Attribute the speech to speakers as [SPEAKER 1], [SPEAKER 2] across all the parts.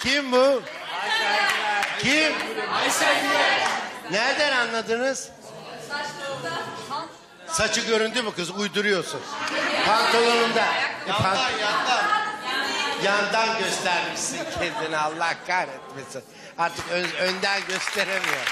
[SPEAKER 1] Kim bu? Kim? Nereden anladınız? Saçı göründü mü kız? Uyduruyorsun. Pantolonunda. Yandan göstermişsin kendini, Allah kahretmesin. Artık önden gösteremiyor.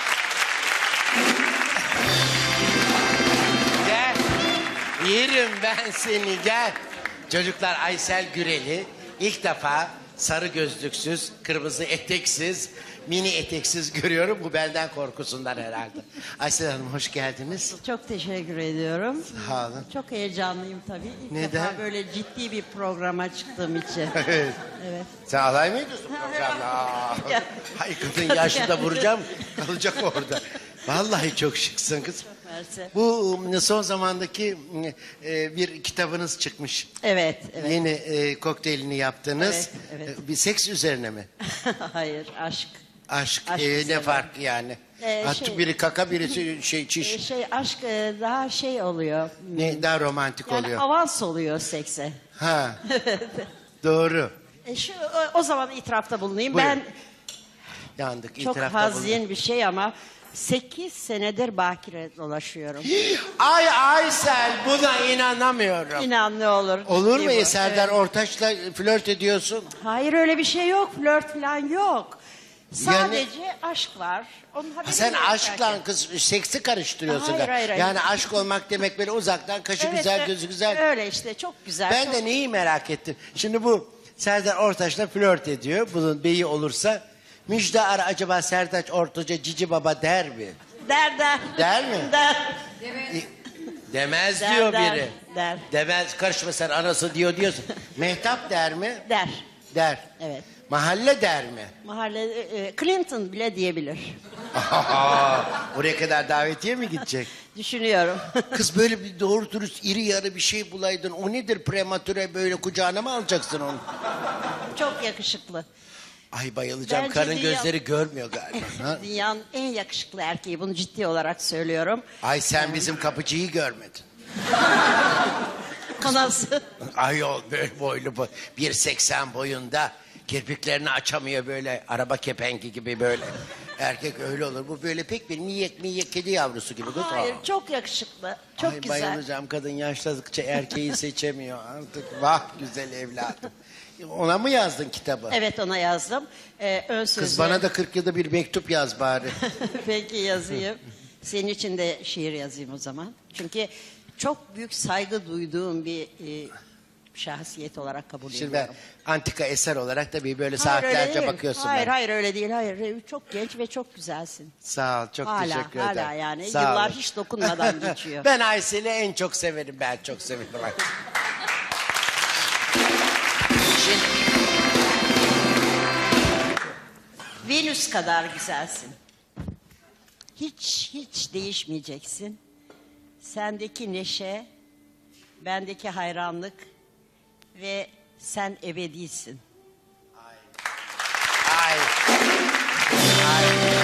[SPEAKER 1] Gel. Yerim ben seni, gel. Çocuklar, Aysel Gürel'i ilk defa sarı gözlüksüz, kırmızı eteksiz, mini eteksiz görüyorum. Bu benden korkusundan herhalde. Aysel Hanım, hoş geldiniz.
[SPEAKER 2] Çok teşekkür ediyorum.
[SPEAKER 1] Sağ olun.
[SPEAKER 2] Çok heyecanlıyım tabii. İlk
[SPEAKER 1] Neden?
[SPEAKER 2] defa böyle ciddi bir programa çıktığım için.
[SPEAKER 1] Evet.
[SPEAKER 2] Evet.
[SPEAKER 1] Sen alay mı ediyorsun programla?
[SPEAKER 2] Ya.
[SPEAKER 1] Hay kadın, yaşlıda vuracağım, kalacak orada. Vallahi çok şıksın kız.
[SPEAKER 2] Mersi.
[SPEAKER 1] Bu son zamandaki bir kitabınız çıkmış.
[SPEAKER 2] Evet, evet.
[SPEAKER 1] Yeni kokteylini yaptınız.
[SPEAKER 2] Evet, evet.
[SPEAKER 1] Bir seks üzerine mi?
[SPEAKER 2] Hayır, aşk.
[SPEAKER 1] Aşk,
[SPEAKER 2] Aşk
[SPEAKER 1] ne
[SPEAKER 2] üzerine.
[SPEAKER 1] fark yani? Artık biri kaka, birisi çiş.
[SPEAKER 2] Aşk daha şey oluyor.
[SPEAKER 1] Ne daha romantik
[SPEAKER 2] Yani
[SPEAKER 1] oluyor.
[SPEAKER 2] avans oluyor sekse.
[SPEAKER 1] Ha. Doğru.
[SPEAKER 2] O zaman itirafta bulunayım.
[SPEAKER 1] Buyurun.
[SPEAKER 2] Ben
[SPEAKER 1] Yandık.
[SPEAKER 2] çok
[SPEAKER 1] itirafta
[SPEAKER 2] hazin bir şey ama 8 senedir bakire dolaşıyorum.
[SPEAKER 1] Ay Aysel, buna inanamıyorum.
[SPEAKER 2] İnan ne olur.
[SPEAKER 1] Olur
[SPEAKER 2] ciddi
[SPEAKER 1] mu?
[SPEAKER 2] bu.
[SPEAKER 1] Serdar
[SPEAKER 2] Evet.
[SPEAKER 1] Ortaç'la flört ediyorsun.
[SPEAKER 2] Hayır, öyle bir şey yok. Flört falan yok. Sadece aşk var. Onun haberi
[SPEAKER 1] Sen
[SPEAKER 2] yok
[SPEAKER 1] aşkla
[SPEAKER 2] belki.
[SPEAKER 1] kız seksi karıştırıyorsun.
[SPEAKER 2] Hayır, hayır, hayır.
[SPEAKER 1] Yani aşk olmak demek böyle uzaktan kaşı
[SPEAKER 2] Evet,
[SPEAKER 1] güzel,
[SPEAKER 2] evet.
[SPEAKER 1] gözü güzel.
[SPEAKER 2] Öyle işte, çok güzel.
[SPEAKER 1] Ben
[SPEAKER 2] çok...
[SPEAKER 1] de neyi merak ettim. Şimdi bu Serdar Ortaç'la flört ediyor. Bunun beyi olursa Müjde Ar acaba Serdar Ortaç'a cici baba der mi?
[SPEAKER 2] Der.
[SPEAKER 1] Der mi?
[SPEAKER 2] Der.
[SPEAKER 1] Demez
[SPEAKER 2] Der,
[SPEAKER 1] diyor
[SPEAKER 2] der,
[SPEAKER 1] biri.
[SPEAKER 2] der.
[SPEAKER 1] Demez, karışma sen, anası diyorsun. Mehtap der mi?
[SPEAKER 2] Der.
[SPEAKER 1] Der.
[SPEAKER 2] Evet.
[SPEAKER 1] Mahalle der mi?
[SPEAKER 2] Mahalle Clinton bile diyebilir.
[SPEAKER 1] Oraya kadar davetiye mi gidecek?
[SPEAKER 2] Düşünüyorum.
[SPEAKER 1] Kız böyle bir doğru dürüst iri yarı bir şey bulaydın. O nedir, prematüre böyle kucağına mı alacaksın onu?
[SPEAKER 2] Çok yakışıklı.
[SPEAKER 1] Ay bayılacağım.
[SPEAKER 2] Bence
[SPEAKER 1] Karın
[SPEAKER 2] dünya-
[SPEAKER 1] gözleri görmüyor galiba. Ha?
[SPEAKER 2] Dünyanın en yakışıklı erkeği. Bunu ciddi olarak söylüyorum.
[SPEAKER 1] Ay sen bizim kapıcıyı görmedin.
[SPEAKER 2] O nasıl?
[SPEAKER 1] Ayol böyle boylu 1.80 boyunda. Kirpiklerini açamıyor böyle, araba kepengi gibi böyle. Erkek öyle olur. Bu böyle pek bir miyek kedi yavrusu gibi. Kız.
[SPEAKER 2] Hayır, çok yakışıklı. Çok
[SPEAKER 1] Ay
[SPEAKER 2] güzel.
[SPEAKER 1] bayılacağım, kadın yaşladıkça erkeği seçemiyor artık. Vah güzel evladım. Ona mı yazdın kitabı?
[SPEAKER 2] Evet, ona yazdım. Ön sözü.
[SPEAKER 1] Kız bana da 40 yılda bir mektup yaz bari.
[SPEAKER 2] Peki, yazayım. Senin için de şiir yazayım o zaman. Çünkü çok büyük saygı duyduğum bir şahsiyet olarak kabul
[SPEAKER 1] Şimdi
[SPEAKER 2] ediyorum.
[SPEAKER 1] ben antika eser olarak tabii böyle
[SPEAKER 2] Hayır, öyle
[SPEAKER 1] saatlerce
[SPEAKER 2] değil.
[SPEAKER 1] bakıyorsun.
[SPEAKER 2] Hayır,
[SPEAKER 1] ben.
[SPEAKER 2] hayır öyle değil. Hayır, çok genç ve çok güzelsin.
[SPEAKER 1] Sağ ol, çok
[SPEAKER 2] Hala,
[SPEAKER 1] teşekkür ederim.
[SPEAKER 2] hala yani.
[SPEAKER 1] Sağ
[SPEAKER 2] Yıllar
[SPEAKER 1] olun.
[SPEAKER 2] hiç dokunmadan geçiyor.
[SPEAKER 1] Ben Aysel'i en çok severim, ben çok severim. Şimdi
[SPEAKER 2] Venüs kadar güzelsin. Hiç değişmeyeceksin. Sendeki neşe, bendeki hayranlık ve sen ebedisin.
[SPEAKER 1] ay. Ay.